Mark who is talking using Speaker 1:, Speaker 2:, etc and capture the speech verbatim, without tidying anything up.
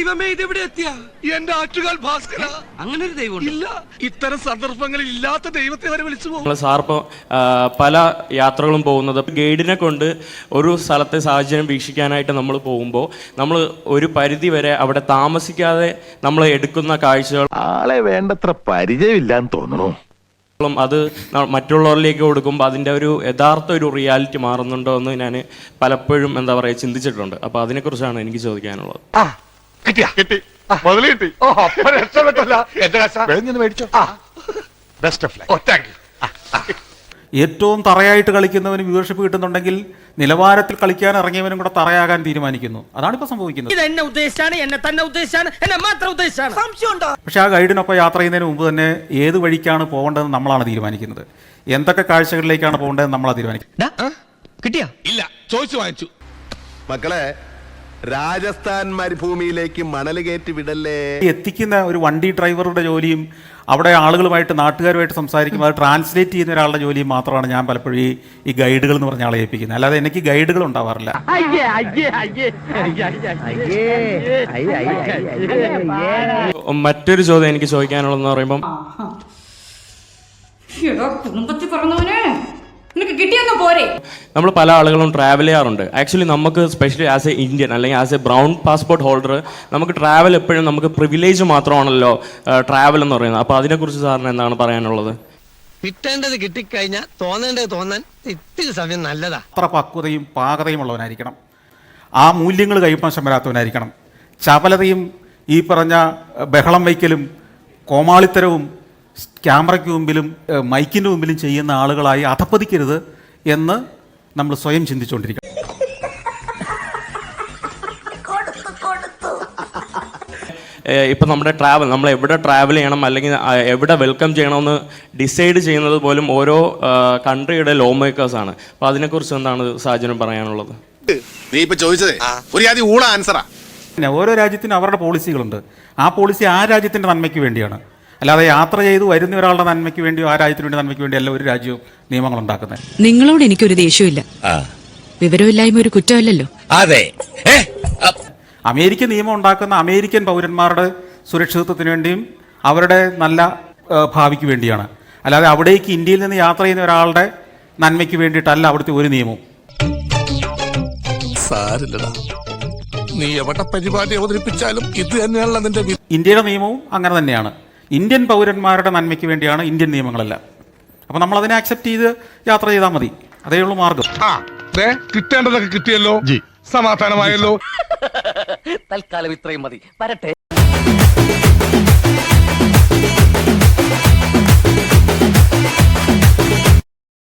Speaker 1: ദൈവമേ ഇതെവിടെ എത്തിയ എന്റെ ആറ്റുകാൽ ഭാസ്കര. അങ്ങനെ ഒരു ദൈവം ഇല്ല. ഇത്തരം സന്ദർഭങ്ങളിൽ ഇല്ലാത്ത ദൈവത്തെ വരെ വിളിച്ചു പോകും.
Speaker 2: സാർ ഇപ്പോൾ പല യാത്രകളും പോകുന്നത് ഗൈഡിനെ കൊണ്ട് ഒരു സ്ഥലത്തെ സാഹചര്യം വീക്ഷിക്കാനായിട്ട് നമ്മൾ പോകുമ്പോൾ നമ്മൾ ഒരു പരിധി വരെ അവിടെ താമസിക്കാതെ നമ്മൾ എടുക്കുന്ന കാഴ്ചകൾ
Speaker 3: ആളെ വേണ്ടത്ര പരിചയമില്ലാന്ന് തോന്നുന്നു.
Speaker 2: അത് മറ്റുള്ളവരിലേക്ക് കൊടുക്കുമ്പോൾ അതിൻ്റെ ഒരു യഥാർത്ഥ ഒരു റിയാലിറ്റി മാറുന്നുണ്ടോ എന്ന് ഞാൻ പലപ്പോഴും എന്താ പറയുക ചിന്തിച്ചിട്ടുണ്ട്. അപ്പോൾ അതിനെക്കുറിച്ചാണ് എനിക്ക് ചോദിക്കാനുള്ളത്.
Speaker 4: ഏറ്റവും തറയായിട്ട് കളിക്കുന്നവന് വ്യൂവർഷിപ്പ് കിട്ടുന്നുണ്ടെങ്കിൽ നിലവാരത്തിൽ കളിക്കാൻ ഇറങ്ങിയവനും കൂടെ തറയാകാൻ തീരുമാനിക്കുന്നു. അതാണ് ഇപ്പൊ സംഭവിക്കുന്നത്. പക്ഷെ ആ ഗൈഡിനൊപ്പം യാത്ര ചെയ്യുന്നതിന് മുമ്പ് തന്നെ ഏത് വഴിക്കാണ് പോകേണ്ടതെന്ന് നമ്മളാണ് തീരുമാനിക്കുന്നത്. എന്തൊക്കെ കാഴ്ചകളിലേക്കാണ് പോകേണ്ടതെന്ന് നമ്മളാണ് തീരുമാനിക്കുന്നത്.
Speaker 1: കിട്ടിയാ ഇല്ല ചോദിച്ചു വാങ്ങിച്ചു.
Speaker 3: മക്കളെ, രാജസ്ഥാൻ മരുഭൂമിയിലേക്ക് മണൽ കയറ്റി വിടല്ലേ.
Speaker 4: എത്തിക്കുന്ന ഒരു വണ്ടി ഡ്രൈവറുടെ ജോലിയും അവിടെ ആളുകളുമായിട്ട് നാട്ടുകാരുമായിട്ട് സംസാരിക്കുമ്പോൾ അത് ട്രാൻസ്ലേറ്റ് ചെയ്യുന്ന ഒരാളുടെ ജോലിയും മാത്രമാണ് ഞാൻ പലപ്പോഴും ഈ ഈ ഗൈഡുകൾ എന്ന് പറഞ്ഞ ആളെ ഏൽപ്പിക്കുന്നത്. അല്ലാതെ എനിക്ക് ഗൈഡുകൾ ഉണ്ടാവാറില്ല.
Speaker 2: മറ്റൊരു ചോദ്യം എനിക്ക് ചോദിക്കാനുള്ളതെന്ന് പറയുമ്പം
Speaker 5: കുടുംബത്തിൽ പറഞ്ഞവനെ കിട്ടിയൊന്നും പോരെ.
Speaker 2: നമ്മൾ പല ആളുകളും ട്രാവൽ ചെയ്യാറുണ്ട്. ആക്ച്വലി നമുക്ക് സ്പെഷ്യലി ആസ് എ ഇന്ത്യൻ അല്ലെങ്കിൽ as a brown passport holder നമുക്ക് ട്രാവൽ എപ്പോഴും നമുക്ക് പ്രിവിലേജ് മാത്രമാണല്ലോ ട്രാവൽ എന്ന് പറയുന്നത്. അപ്പോൾ അതിനെക്കുറിച്ച് സാറിന് എന്താണ് പറയാനുള്ളത്?
Speaker 1: കിട്ടേണ്ടത് കിട്ടിക്കഴിഞ്ഞാൽ തോന്നേണ്ടത് തോന്നാൻ ഇത്തിരി സമയം നല്ലതാ.
Speaker 4: അത്ര പക്വതയും പാകതയും ഉള്ളവനായിരിക്കണം. ആ മൂല്യങ്ങൾ കൈവശം വരാത്തവനായിരിക്കണം. ചപലതയും ഈ പറഞ്ഞ ബഹളം വയ്ക്കലും കോമാളിത്തരവും ക്യാമറയ്ക്ക് മുമ്പിലും മൈക്കിൻ്റെ മുമ്പിലും ചെയ്യുന്ന ആളുകളായി അധപ്പതിക്കരുത് എന്ന് നമ്മൾ സ്വയം ചിന്തിച്ചുകൊണ്ടിരിക്കണം.
Speaker 2: ഇപ്പം നമ്മുടെ ട്രാവൽ നമ്മൾ എവിടെ ട്രാവൽ ചെയ്യണം അല്ലെങ്കിൽ എവിടെ വെൽക്കം ചെയ്യണമെന്ന് ഡിസൈഡ് ചെയ്യുന്നത് പോലും ഓരോ കൺട്രിയുടെ ലോ മേക്കേഴ്സാണ്. അപ്പോൾ അതിനെക്കുറിച്ച് എന്താണ് സാഹചര്യം പറയാനുള്ളത്?
Speaker 6: നീ ഇപ്പൊ ചോദിച്ചതേ ഒരു ആദ്യം ഊള ആൻസറാ.
Speaker 4: പിന്നെ ഓരോ രാജ്യത്തിനും അവരുടെ പോളിസികളുണ്ട്. ആ പോളിസി ആ രാജ്യത്തിൻ്റെ നന്മയ്ക്ക് വേണ്ടിയാണ്. അല്ലാതെ യാത്ര ചെയ്ത് വരുന്ന ഒരാളുടെ നന്മയ്ക്ക് വേണ്ടിയോ ആ രാജ്യത്തിന് വേണ്ടി നന്മയ്ക്ക് വേണ്ടി അല്ല ഒരു രാജ്യവും നിയമങ്ങൾ ഉണ്ടാക്കുന്നത്.
Speaker 7: നിങ്ങളോട് എനിക്കൊരു ദേഷ്യമില്ല. വിവരമില്ലായ്മ ഒരു കുറ്റമല്ലല്ലോ.
Speaker 6: അതെ,
Speaker 4: അമേരിക്കൻ നിയമം ഉണ്ടാക്കുന്ന അമേരിക്കൻ പൗരന്മാരുടെ സുരക്ഷിതത്വത്തിന് വേണ്ടിയും അവരുടെ നല്ല ഭാവിക്ക് വേണ്ടിയാണ്. അല്ലാതെ അവിടേക്ക് ഇന്ത്യയിൽ നിന്ന് യാത്ര ചെയ്യുന്ന ഒരാളുടെ നന്മയ്ക്ക് വേണ്ടിയിട്ടല്ല അവിടുത്തെ ഒരു നിയമവും.
Speaker 6: നീ എവിടെ പരിപാടി അവതരിപ്പിച്ചാലും ഇത് തന്നെയാണല്ലോ നിന്റെ.
Speaker 4: ഇന്ത്യയുടെ നിയമവും അങ്ങനെ തന്നെയാണ്. ഇന്ത്യൻ പൗരന്മാരുടെ നന്മയ്ക്ക് വേണ്ടിയാണ് ഇന്ത്യൻ നിയമങ്ങളെല്ലാം. അപ്പം നമ്മൾ അതിനെ അക്സെപ്റ്റ് ചെയ്ത് യാത്ര ചെയ്താൽ മതി. അതേ ഉള്ളൂ മാർഗം.
Speaker 6: കിട്ടേണ്ടതൊക്കെ കിട്ടിയല്ലോ, സമാധാനമായല്ലോ.
Speaker 1: തൽക്കാലം ഇത്രയും മതി. വരട്ടെ.